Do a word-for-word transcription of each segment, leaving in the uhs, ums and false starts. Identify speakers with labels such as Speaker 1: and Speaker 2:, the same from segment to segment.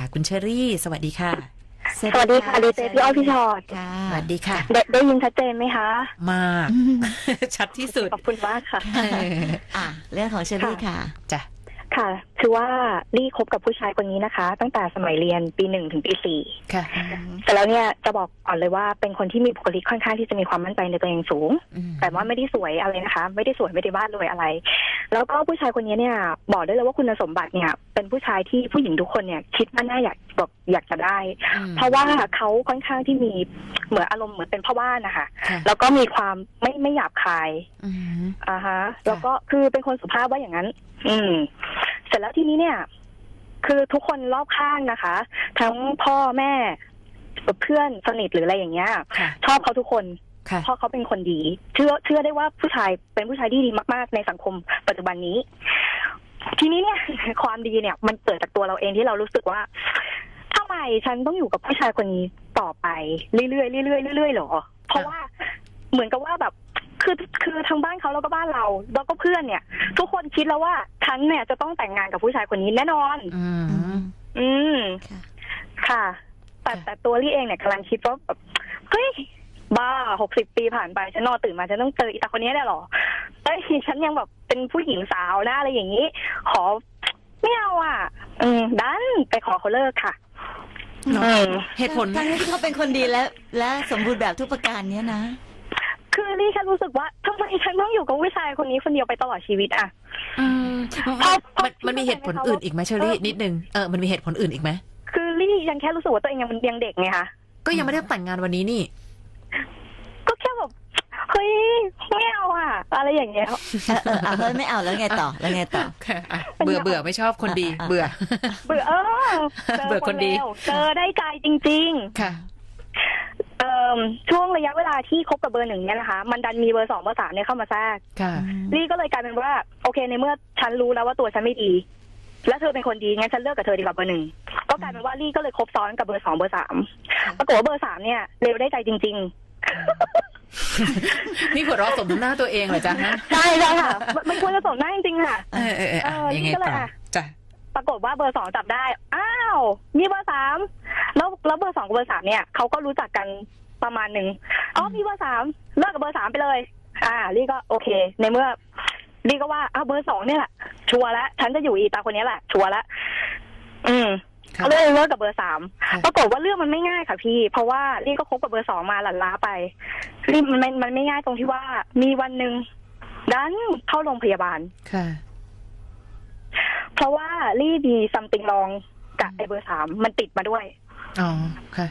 Speaker 1: คุณเชอรี่สวัสดีค่ะ
Speaker 2: สวัสดีค่ะดีเจพี่อ้อยพี่ชอด
Speaker 1: สวัสดีค่ะ
Speaker 2: ได้ได้ยินชัดเจนไหมคะ
Speaker 1: มากชัดที่สุด
Speaker 2: ขอบคุณมากค่ะ
Speaker 3: อ่ะเรื่องของเชอรี่ค่ะ
Speaker 1: จ้ะ
Speaker 2: ค่ะคือว่าลี่คบกับผู้ชายคนนี้นะคะตั้งแต่สมัยเรียนปีหนึ่งถึงปีสี่
Speaker 1: ค่ะ
Speaker 2: แต่แล้วเนี่ยจะบอกก่อนเลยว่าเป็นคนที่มีบุคลิกค่อนข้างที่จะมีความมั่นใจในตัวเองสูงแต่ว่าไม่ได้สวยอะไรนะคะไม่ได้สวยไม่ได้บ้านรวยอะไรแล้วก็ผู้ชายคนนี้เนี่ยบอกได้เลยว่าคุณสมบัติเนี่ยเป็นผู้ชายที่ผู้หญิงทุกคนเนี่ยคิดว่าน่าอยากแบบอยากจะได้เพราะว่าเขาค่อนข้างที่มีเหมือนอารมณ์เหมือนเป็นพ่อบ้านนะคะแล้วก็มีความไม่ไม่หยาบคายอ่าฮะแล้วก็คือเป็นคนสุภาพว่าอย่างนั้นอืมเสร็จแล้วทีนี้เนี่ยคือทุกคนรอบข้างนะคะทั้งพ่อแม่เพื่อนสนิทหรืออะไรอย่างเงี้ยชอบเขาทุกคนเพราะเขาเป็นคนดีเชื่อเชื่อได้ว่าผู้ชายเป็นผู้ชายที่ดีมากๆในสังคมปัจจุบันนี้ทีนี้เนี่ยความดีเนี่ยมันเกิดจากตัวเราเองที่เรารู้สึกว่าทำไมฉันต้องอยู่กับผู้ชายคนนี้ต่อไปเรื่อยๆเรื่อยๆเรื่อยๆหรอเพราะว่าเหมือนกับว่าแบบคือคือทางบ้านเขาแล้วก็บ้านเราแล้วก็เพื่อนเนี่ยทุกคนคิดแล้วว่าฉันเนี่ยจะต้องแต่งงานกับผู้ชายคนนี้แน่นอนอืมอืมค่ะแต่แต่ตัวลี่เองเนี่ยกำลังคิดว่าแบบเฮ้ยบ้าหกสิบปีผ่านไปฉันนอนตื่นมาฉันต้องเจออีตาคนนี้ได้หรอเอ้ยฉันยังแบบเป็นผู้หญิงสาวนะอะไรอย่างนี้ขอไม่เอาอ่ะอืมดันไปขอเขาเลิกค่ะ
Speaker 1: เหตุผล
Speaker 3: ทั้งที่เขาเป็นคนดีและและสมบูรณ์แบบทุกประการเนี้ยนะ
Speaker 2: คือลี่แค่รู้สึกว่าทำไมฉันต้องอยู่กับผู้ชายคนนี้คนเดียวไปตลอดชีวิตอ่ะ
Speaker 1: อืมมันมันมีเหตุผลอื่นอีกไหมเชอรี่นิดนึงเออมันมีเหตุผลอื่นอีกไหม
Speaker 2: คือลี่ยังแค่รู้สึกว่าตัวเองยังยังเด็กไงคะ
Speaker 1: ก็ยังไม่ได้แต่งงานวันนี้นี่
Speaker 2: ก็แค่แบบเฮ้ยไม่เอาอ่ะอะไรอย่างเงี้ย
Speaker 3: เออเฮ้ยไม่เอาแล้วไงต่อแล้วไงต่อ
Speaker 1: เบื่อเบื่อไม่ชอบคนดีเบื่อ
Speaker 2: เบื่อเออ
Speaker 1: เบื่อคนดี
Speaker 2: เจอได้ใจจริงๆ
Speaker 1: ค่ะ
Speaker 2: เอ่อช่วงระยะเวลาที่คบกับเบอร์หนึ่งเนี่ยนะคะมันดันมีเบอร์สองเบอร์สามเนี่ยเข้ามาแทรกลี่ก็เลยกลายเป็นว่าโอเคในเมื่อฉันรู้แล้วว่าตัวฉันไม่ดีแล้วเธอเป็นคนดีงั้นฉันเลิกกับเธอดีกว่าเบอร์หนึ่งก็กลายเป็นว่าลี่ก็เลยคบซ้อนกับเบอร์สองเบอร์สามปรากฏว่าเบอร์สามเนี่ยเร็วได้ใจจริง
Speaker 1: ๆนี่หัวเราะสมหน้าตัวเองเหรอจ๊ะฮะ
Speaker 2: ใช่ใช่ค่ะมันควรจะสมหน้าจริงๆค่ะ
Speaker 1: เออเออเออยังไงต่อจ้ะ
Speaker 2: ปรากฏว่าเบอร์สองจับได้อ้าวมีเบอร์สามแล้วแล้วเบอร์สองกับเบอร์สามเนี่ยเขาก็รู้จักกันประมาณหนึ่งอ๋อมีเบอร์สามเลิกกับเบอร์สามไปเลยอ่าลี่ก็โอเคในเมื่อลี่ก็ว่าอ้าวเบอร์สองเนี่ยแหละชัวร์แล้วฉันจะอยู่อีตาคนนี้แหละชัวร์แล้วอืมเขาเลยเลิกกับเบอร์สามปรากฏว่าเรื่องมันไม่ง่ายค่ะพี่เพราะว่าลี่ก็คบกับเบอร์สองมาหลั่นล้าไปลี่มันมันไม่ง่ายตรงที่ว่ามีวันหนึ่งดันเข้าโรงพยาบาล
Speaker 1: ค่ะ
Speaker 2: เพราะว่าลี่มีซัมติงลองกับไอเบอร์สามมันติดมาด้วย
Speaker 1: อ๋อค่ะ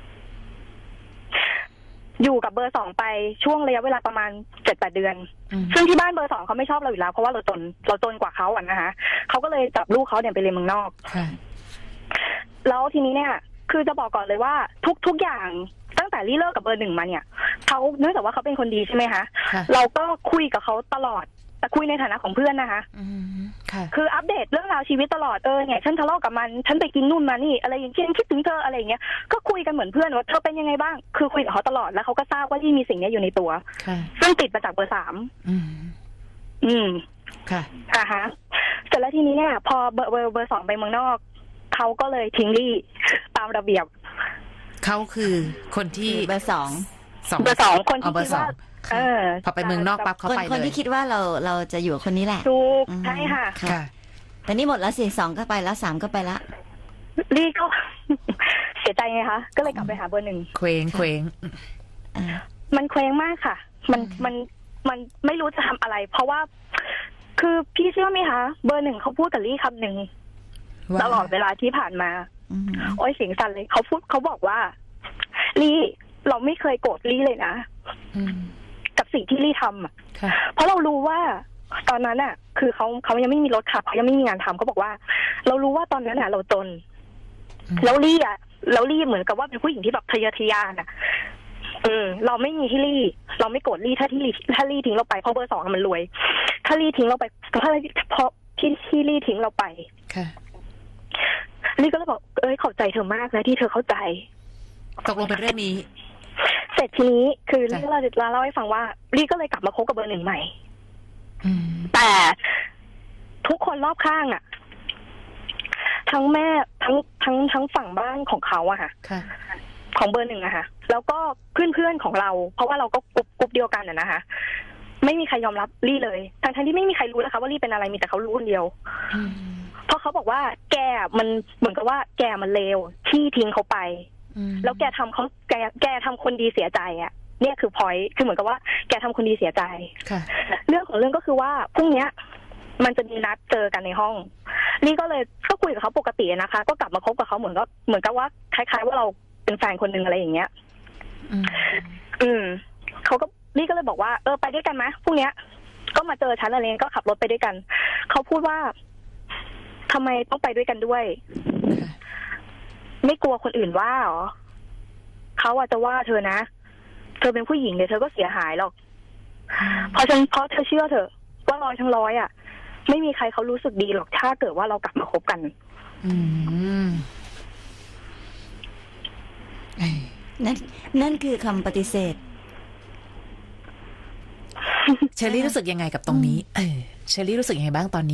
Speaker 2: อยู่กับเบอร์สองไปช่วงระยะเวลาประมาณเจ็ดแปดเดือนซึ่งที่บ้านเบอร์สองเขาไม่ชอบเราอยู่แล้วเพราะว่าเราจนเราจนกว่าเขาอ่ะนะคะเขาก็เลยจับลูกเขาเนี่ยไปเรียนเมืองนอกแล้วทีนี้เนี่ยคือจะบอกก่อนเลยว่าทุกทุกอย่างตั้งแต่ลี่เลิกกับเบอร์หนึ่งมาเนี่ยเขาเนื่องจากว่าเขาเป็นคนดีใช่ไหมคะเราก็คุยกับเขาตลอดแต่คุยในฐานะของเพื่อนนะคะคืออัปเดตเรื่องราวชีวิตตลอดเออเนี่ยฉันทะเลาะกับมันฉันไปกินนู่นมานี่อะไรอย่างเงี้ยคิดถึงเธออะไรอย่างเงี้ยก็คุยกันเหมือนเพื่อนว่าเธอเป็นยังไงบ้างคือคุยกับเขาตลอดแล้วเขาก็ทราบว่าที่มีสิ่งนี้อยู่ในตัวซึ่งติดมาจากเบอร์สามอืม
Speaker 1: ค่ะ
Speaker 2: อ่าฮะเสร็จแล้วทีนี้เนี่ยพอเบอร์เบอร์เบอร์สองไปเมืองนอกเขาก็เลยทิ้งลี่ตามระเบียบ
Speaker 1: เขาคือคนที่
Speaker 3: เบอร์สอง
Speaker 2: เบอร์สองคนที่คิดว่าเออ
Speaker 1: พอไปเมืองนอกปั๊บเขาไปเลย
Speaker 3: คนที่คิดว่าเราเราจะอยู่คนนี้แหละ
Speaker 2: ถูกใช่ค่ะ
Speaker 3: ค่ะแต่นี่หมดแล้วสิสองก็ไปแล้วสามก็ไปละ
Speaker 2: ลี่ก็เสียใจไงคะก็เลยกลับไปหาเบอร์หนึ่ง
Speaker 1: เคว้งเคว้ง
Speaker 2: มันเคว้งมากค่ะมันมันมันไม่รู้จะทำอะไรเพราะว่าคือพี่เชื่อไหมคะเบอร์หนึ่งเขาพูดกับลี่คำหนึ่งตลอดเวลาที่ผ่านมาโอ้ยเสียงสั่นเลยเขาพูดเขาบอกว่าลี่เราไม่เคยโกรธลี่เลยนะกับสิ่งที่ลี่ทำอ่ะเพราะเรารู้ว่าตอนนั้นอ่ะคือเขาเขายังไม่มีรถขับเขายังไม่มีงานทำเขาบอกว่าเรารู้ว่าตอนนั้นอ่ะเราจนแล้วลี่อ่ะแล้วลี่เหมือนกับว่าเป็นผู้หญิงที่แบบทะเยอทะยานอ่ะเออเราไม่มีที่ลี่เราไม่โกรธลี่ถ้าที่ลี่ถ้าลี่ทิ้งเราไปเพราะเบอร์สองมันรวยถ้าลี่ทิ้งเราไปเพราะเพราะที่ที่ลี่ทิ้งเราไป
Speaker 1: ค่ะ
Speaker 2: ลี่ก็เลยบอกเอ้ยขอบใจเธอมากนะที่เธอเข้าใจ
Speaker 1: ตกลงเป็นเรื่องนี้
Speaker 2: เสร็จทีนี้คือลี่เราจะเล่าให้ฟังว่าลี่ก็เลยกลับมาคบกับเบอร์หนึ่งใหม่แต่ทุกคนรอบข้างอ่ะทั้งแม่ทั้งทั้งทั้งฝั่งบ้านของเขาอะค่ะ
Speaker 1: ค่ะ
Speaker 2: ของเบอร์หนึ่งอะค่ะแล้วก็เพื่อนเพื่อนๆของเรา เพราะว่าเราก็กลุ่มกลุ่มเดียวกันอะนะคะไม่มีใครยอมรับลี่เลยทั้งทั้งที่ไม่มีใครรู้นะคะว่าลี่เป็นอะไรมีแต่เขารู้คนเดียว
Speaker 1: อืม
Speaker 2: เพราะเขาบอกว่าแกมันเหมือนกับว่าแกมันเลวที่ทิ้งเขาไป
Speaker 1: อืม
Speaker 2: แล้วแกทำเขาแกแกทำคนดีเสียใจอะเนี่ยคือพอยต์คือเหมือนกับว่าแกทำคนดีเสียใจ
Speaker 1: ค่ะ
Speaker 2: เรื่องของเรื่องก็คือว่าพรุ่งเนี้ย มันจะมีนัดเจอกันในห้องนี่ก็เลยก็คุยกับเขาปกตินะคะ ก็กลับมาคบกับเขาเหมือนก็เหมือนกับว่าคล้ายๆว่าเราเป็นแฟนคนหนึ่งอะไรอย่างเงี้ย
Speaker 1: อืม
Speaker 2: อืมเขาก็นี่ก็เลยบอกว่าเออไปด้วยกันไหมพรุ่งเนี้ย ก็มาเจอฉันอะไรเงี้ยก็ขับรถไปด้วยกันเขาพูดว่าทำไมต้องไปด้วยกันด้วย
Speaker 1: ค่ะ
Speaker 2: ไม่กลัวคนอื่นว่าหรอเขาอาจจะว่าเธอนะเธอเป็นผู้หญิงเนี่ยเธอก็เสียหายหรอกเพราะฉันเพราะเธอเชื่อเถอะว่าร้อยทั้งร้อยอ่ะไม่มีใครเขารู้สึกดีหรอกถ้าเกิดว่าเรากลับมาคบกัน
Speaker 1: อืมเอ้ย
Speaker 3: นั่นนั่นคือคำปฏิเสธ
Speaker 1: เชอรี่รู้สึกยังไงกับตรงนี้ เออเชอรี่รู้สึกยังไงบ้างตอนนี้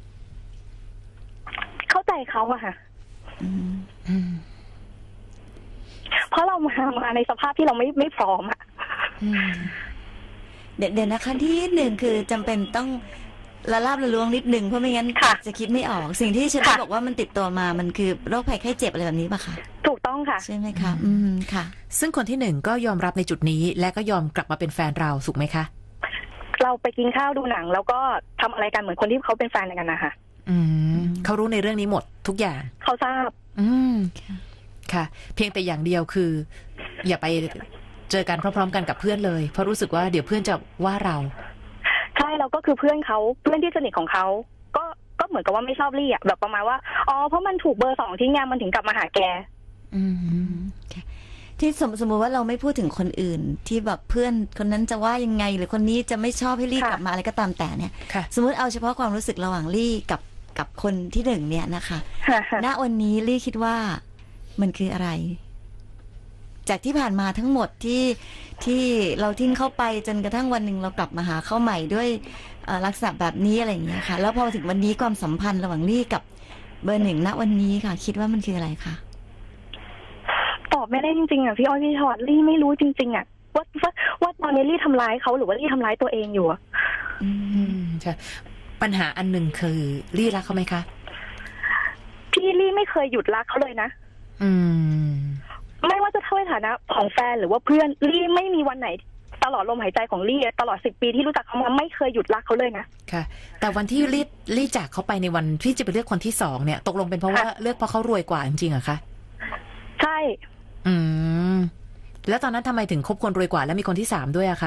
Speaker 2: เข้าใจเขาอะค่ะ
Speaker 3: อืม
Speaker 1: อืม
Speaker 2: เพราะเรามามาในสภาพที่เราไม่ไม่พร้อมอะ
Speaker 1: อืม
Speaker 3: เดี๋ยวเดี๋ยวนะคะที่หนึ่งคือจำเป็นต้องละลาบละล้วงนิดหนึ่งเพราะไม่งั้นจะคิดไม่ออกสิ่งที่ฉันบอกว่ามันติดตัวมามันคือโรคภัยไข้เจ็บอะไรแบบนี้ป่ะคะ
Speaker 2: ถูกต้องค่ะ
Speaker 3: ใช่ไหมคะอืมค่ะ
Speaker 1: ซึ่งคนที่หนึ่งก็ยอมรับในจุดนี้ และก็ยอมกลับมาเป็นแฟนเราถูกไหมคะ
Speaker 2: เราไปกินข้าวดูหนัง แล้วก็ทำอะไรกันเหมือนคนที่เขาเป็นแฟนกันนะคะ
Speaker 1: อืมเขารู้ในเรื่องนี้หมดทุกอย่าง
Speaker 2: เขาทราบ
Speaker 1: อืมค่ะ เพียงแต่อย่างเดียวคือ อย่าไปเจอกันพร้อมๆกันกับเพื่อนเลยเพราะรู้สึกว่าเดี๋ยวเพื่อนจะว่าเรา
Speaker 2: ใช่แล้วก็คือเพื่อนเขาเพื่อนที่สนิทของเขาก็ก็เหมือนกับว่าไม่ชอบลี่อะแบบประมาณว่าอ๋อเพราะมันถูกเบอร์สองทิ้งงานมันถึงกลับมาหาแก
Speaker 1: อืม
Speaker 3: ค่ะที่สมสมมติว่าเราไม่พูดถึงคนอื่น ที่แบบเพื่อนคนนั้นจะว่ายังไง หรือคนนี้จะไม่ชอบให้ลี่
Speaker 2: ค่ะ
Speaker 3: กลับมาอะไรก็ตามแต่เนี่ย
Speaker 1: ค่ะ
Speaker 3: สมมติเอาเฉพาะความรู้สึกระหว่างลี่กับกับคนที่หนึ่งเนี่ยนะคะ ณวันนี้ลี่คิดว่ามันคืออะไร จากที่ผ่านมาทั้งหมดที่ที่เราทิ้งเข้าไปจนกระทั่งวันหนึ่งเรากลับมาหาเข้าใหม่ด้วยเอ่อลักษณะแบบนี้อะไรอย่างเงี้ยค่ะ แล้วพอถึงวันนี้ความสัมพันธ์ระหว่างลี่กับเบอร์หนึ่งณวันนี้ค่ะ คิดว่ามันคืออะไรคะ
Speaker 2: ตอบไม่ได้จริงๆอ่ะพี่อ้อยพี่ชอตลี่ไม่รู้จริงๆอ่ะว่าว่าว่าตอนนี้ลี่ทำร้ายเขาหรือว่าลี่ทำร้ายตัวเองอยู่อะ
Speaker 3: อื
Speaker 1: อื
Speaker 3: ม
Speaker 1: มใช่ปัญหาอันหนึ่งคือลี่รักเขาไหมคะ
Speaker 2: พี่ลี่ไม่เคยหยุดรักเขาเลยนะ
Speaker 1: อืม
Speaker 2: ไม่ว่าจะเท่าในฐานะของแฟนหรือว่าเพื่อนลี่ไม่มีวันไหน ตลอดลมหายใจของลี่ตลอดสิบปีที่รู้จักเขามาไม่เคยหยุดรักเขาเลยนะ
Speaker 1: ค่ะ แต่วันที่ลี่ลี่จากเขาไปในวันที่จะไปเลือกคนที่สองเนี่ย ตกลงเป็นเพราะว่า
Speaker 2: ค่ะ
Speaker 1: เลือกเพราะเขารวยกว่าจริงๆเหรอคะ
Speaker 2: ใช่
Speaker 1: อืม แล้วตอนนั้นทำไมถึงคบคนรวยกว่าแล้วมีคนที่สามด้วยอะคะ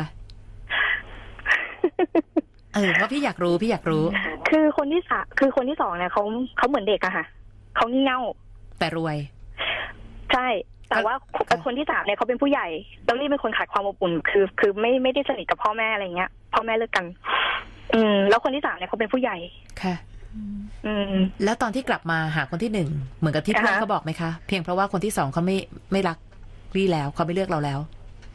Speaker 1: เออว่าพี่อยากรู้พี่อยากรู้
Speaker 2: คือคนที่สามคือคนที่สองเนี่ยเขาเขาเหมือนเด็กอะค่ะเขางี่เง่า
Speaker 1: แต่รวย
Speaker 2: ใช่ แต่ว่า
Speaker 1: ค่ะ
Speaker 2: คนที่สามเนี่ยเขาเป็นผู้ใหญ่แล้วลี่เป็นคนขาดความอบอุ่นคือ คือไม่ไม่ได้สนิทกับพ่อแม่อะไรเงี้ยพ่อแม่เลิกกัน อืม แล้วคนที่สามเนี่ยเขาเป็นผู้ใหญ่
Speaker 1: ค่ะ
Speaker 2: อืม
Speaker 1: แล้วตอนที่กลับมาหาคนที่หนึ่งเหมือนกับที่เพื่อน
Speaker 2: อ่าฮะ
Speaker 1: เขาบอกไหมคะ เพียงเพราะว่าคนที่สองเขาไม่ไม่รักลี่แล้วเขาไม่เลือกเราแล้ว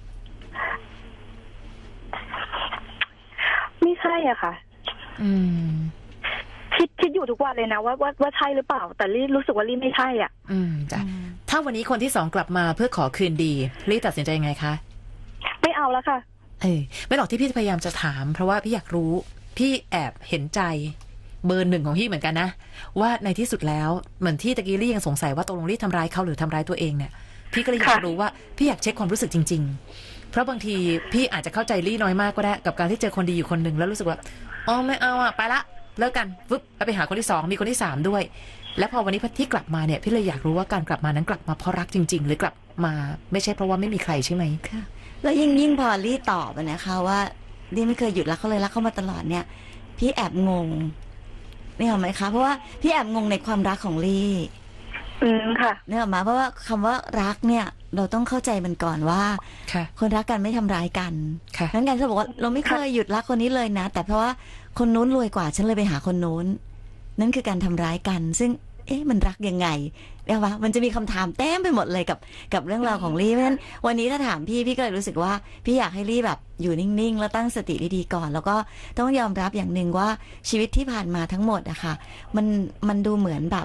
Speaker 2: ไม่ใช่อะค่ะ
Speaker 1: อืม
Speaker 2: คิดคิดอยู่ทุกวันเลยนะว่าว่าว่าใช่หรือเปล่า แต่ลี่รู้สึกว่าลี่ไม่ใช่อ่ะ
Speaker 1: อืมจ้ะถ้าวันนี้คนที่สองกลับมาเพื่อขอคืนดีลี่ตัดสินใจยังไงคะ
Speaker 2: ไม่เอาแล้วค่ะ
Speaker 1: เออไม่หรอกที่พี่พยายามจะถาม เพราะว่าพี่อยากรู้ พี่แอบเห็นใจเบอร์หนึ่งของพี่เหมือนกันนะว่าในที่สุดแล้วเหมือนที่ตะกี้ลี่ยังสงสัยว่าตกลงลี่ทำร้ายเขาหรือทำร้ายตัวเองเนี่ยพี่ก็เลยอยาก
Speaker 2: ค่ะ
Speaker 1: รู้ว่าพี่อยากเช็คความรู้สึกจริง ๆ เพราะบางทีพี่อาจจะเข้าใจลี่น้อยมากก็ได้กับการที่เจอคนดีอยู่คนหนึ่งแล้วรู้สึกว่าอ๋อไม่เอาอ่ะไปละเลิกกันฟึบแล้วไปหาคนที่สองมีคนที่สามด้วย แล้วพอวันนี้ที่กลับมาเนี่ยพี่เลยอยากรู้ว่าการกลับมานั้นกลับมาเพราะรักจริง ๆ หรือกลับมาไม่ใช่เพราะว่าไม่มีใครใช่ไหม
Speaker 3: ค่ะแล้วยิ่งยิ่งพอลี่ตอบอะนะคะว่าลี่ไม่เคยหยุดรักเขาเลยรักเขามาตลอดเนี่ย พี่แอบงงนี่เห็นไหมคะเพราะว่าพี่แอบงงในความรักของลี่
Speaker 2: อืมค่ะ
Speaker 3: เนี่ยหรอกมาเพราะว่าคำว่ารักเนี่ย เราต้องเข้าใจมันก่อนว่า
Speaker 1: ค่ะ
Speaker 3: คนรักกันไม่ทำร้ายกัน
Speaker 1: ค่ะ
Speaker 3: นั้นการเขาบอกว่าเราไม่เคยหยุดรักคนนี้เลยนะ แต่เพราะว่าคนนู้นรวยกว่าฉันเลยไปหาคนนู้นนั่นคือการทำร้ายกัน ซึ่งเอ๊ะมันรักยังไงเรียกว่ามันจะมีคำถามเต็มไปหมดเลยกับกับเรื่องราวของลี่เพราะฉะนั้นวันนี้ถ้าถามพี่พี่ก็เลยรู้สึกว่าพี่อยากให้ลี่แบบอยู่นิ่งๆแล้วตั้งสติดีๆก่อน แล้วก็ต้องยอมรับอย่างหนึ่งว่าชีวิตที่ผ่านมาทั้งหมดอะค่ะมันมันดูเหมือนแบบ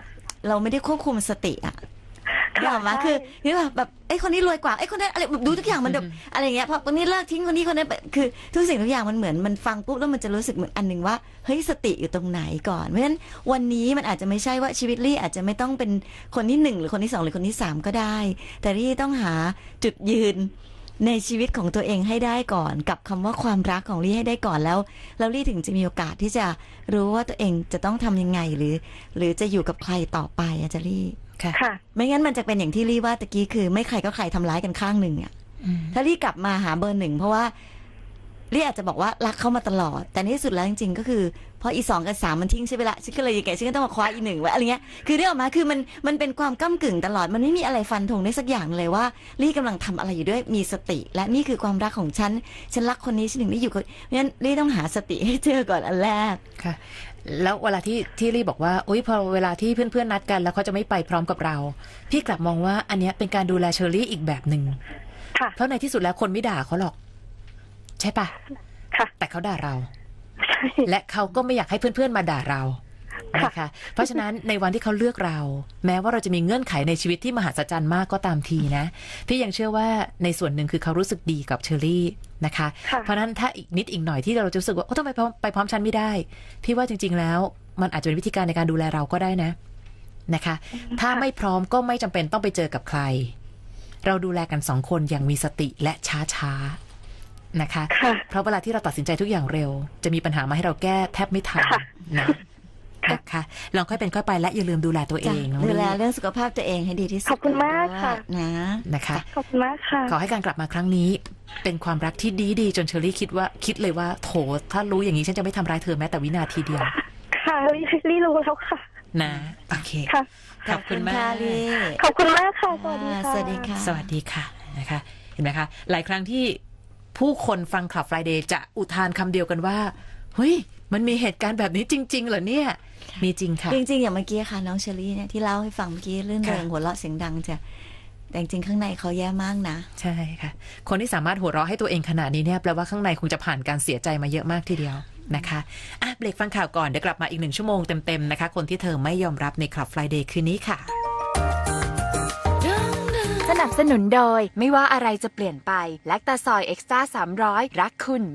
Speaker 3: เราไม่ได้ควบคุมสติอะนึกออกไหมคือนี่แบบแบบไอ้คนนี้รวยกว่าไอ้คนนั้นอะไรแบบดูทุกอย่างมันแบบอะไรเงี้ยพอคนนี้เลิกทิ้งคนนี้คนนั้นคือทุกสิ่งทุกอย่างมันเหมือนมันฟังปุ๊บแล้วมันจะรู้สึกเหมือนอันหนึ่งว่าเฮ้ยสติอยู่ตรงไหนก่อนเพราะฉะนั้นวันนี้มันอาจจะไม่ใช่ว่าชีวิตลี่อาจจะไม่ต้องเป็นคนที่หนึ่งหรือคนที่สองหรือคนที่สามก็ได้แต่ลี่ต้องหาจุดยืนในชีวิตของตัวเองให้ได้ก่อนกับคำว่าความรักของลี่ให้ได้ก่อนแล้วแล้วลี่ถึงจะมีโอกาสที่จะรู้ว่าตัวเองจะต้องทำยังไงหรือหรือจะอยู่กับใครต่อไปอาจารย์ลี่
Speaker 2: ค่ะ
Speaker 3: ไม่งั้นมันจะเป็นอย่างที่ลี่ว่าตะกี้คือไม่ใครก็ใครทำร้ายกันข้างหนึ่งอ่ะถ้าลี่กลับมาหาเบอร์หนึ่งเพราะว่าลี่อาจจะบอกว่ารักเขามาตลอดแต่ในที่สุดแล้วจริงๆก็คือพออีสองกับสามมันทิ้งใช่ไหมละฉันก็เลยยังไงฉันก็ต้องมาคว้าอีหนึ่งไว้อะไรเงี้ยคือเรื่องออกมาคือมันมันเป็นความก้ำกึ่งตลอดมันไม่มีอะไรฟันธงได้สักอย่างเลยว่าลี่กำลังทำอะไรอยู่ด้วยมีสติและนี่คือความรักของฉันฉันรักคนนี้ฉันถึงได้อยู่กับเพราะฉะนั้นลี่ต้องหาสติให้เจอก่อนอันแรก
Speaker 1: ค่ะแล้วเวลาที่ที่ลี่บอกว่าอุ้ยพอเวลาที่เพื่อนๆนัดกันแล้วเขาจะไม่ไปพร้อมกับเราพี่กลับมองว่าอันนี้เป็นการดูแลเชอรี่อีกแบบหนึ่งเพราะในที่สุดแล้วคนไม่ด่าเขาหรอกใช่ปะแต่เขาด่าเราและเขาก็ไม่อยากให้เพื่อนๆมาด่าเรานะคะเพราะฉะนั้นในวันที่เขาเลือกเราแม้ว่าเราจะมีเงื่อนไขในชีวิตที่มหัศจรรย์มากก็ตามทีนะพี่ยังเชื่อว่าในส่วนหนึ่งคือเขารู้สึกดีกับเชอรี่นะคะเพราะนั้นถ้าอีกนิดอีกหน่อยที่เราจะรู้สึกว่าโอ้ทำไมไปพร้อมฉันไม่ได้พี่ว่าจริงๆแล้วมันอาจจะเป็นวิธีการในการดูแลเราก็ได้นะนะคะถ้าไม่พร้อมก็ไม่จำเป็นต้องไปเจอกับใครเราดูแลกันสองคนอย่างมีสติและช้าๆนะคะเพราะเวลาที่เราตัดสินใจทุกอย่างเร็วจะมีปัญหามาให้เราแก้แทบไม่ทันนะนะคะลองค่อยเป็นค่อยไปและอย่าลืมดูแลตัวเอง
Speaker 3: ดูแลเรื่องสุขภาพตัวเองให้ดีที่สุด
Speaker 2: ขอบคุณมากค่ะ
Speaker 3: นะ
Speaker 1: นะคะ
Speaker 2: ขอบคุณมากค่ะ
Speaker 1: ขอให้การกลับมาครั้งนี้เป็นความรักที่ดีดีจนเชอรี่คิดว่าคิดเลยว่าโถถ้ารู้อย่างนี้ฉันจะไม่ทำร้ายเธอแม้แต่วินาทีเดียว
Speaker 2: ค่ะลี่รู้แล้วค่ะ
Speaker 1: นะโอเค
Speaker 3: ค่ะขอบคุณมาก
Speaker 2: ขอบคุณมากค่ะสวัสดีค่ะ
Speaker 3: สวัสดีค่ะ
Speaker 1: สวัสดีค่ะนะคะเห็นไหมคะหลายครั้งที่ผู้คนฟัง Club Friday จะอุทานคำเดียวกันว่าเฮ้ยมันมีเหตุการณ์แบบนี้จริงๆเหรอเนี่ยมีจริงค่ะ
Speaker 3: จริงๆอย่างเมื่อกี้ค่ะน้องเชอรี่เนี่ยที่เล่าให้ฟังเมื่อกี้เรื่องเริงหัวเราะเสียงดังจ้ะแต่จริงๆข้างในเขาแย่มากนะ
Speaker 1: ใช่ค่ะคนที่สามารถหัวเราะให้ตัวเองขนาดนี้เนี่ยแปลว่าข้างในคงจะผ่านการเสียใจมาเยอะมากทีเดียวนะคะอ่ะเบรกฟังข่าวก่อนเดี๋ยวกลับมาอีกหนึ่งชั่วโมงเต็มๆนะคะคนที่เธอไม่ยอมรับใน Club Friday คืนนี้ค่ะ
Speaker 4: สนับสนุนโดยไม่ว่าอะไรจะเปลี่ยนไปแลคตาซอยเอ็กซ์ตร้าสามร้อยรักคุณ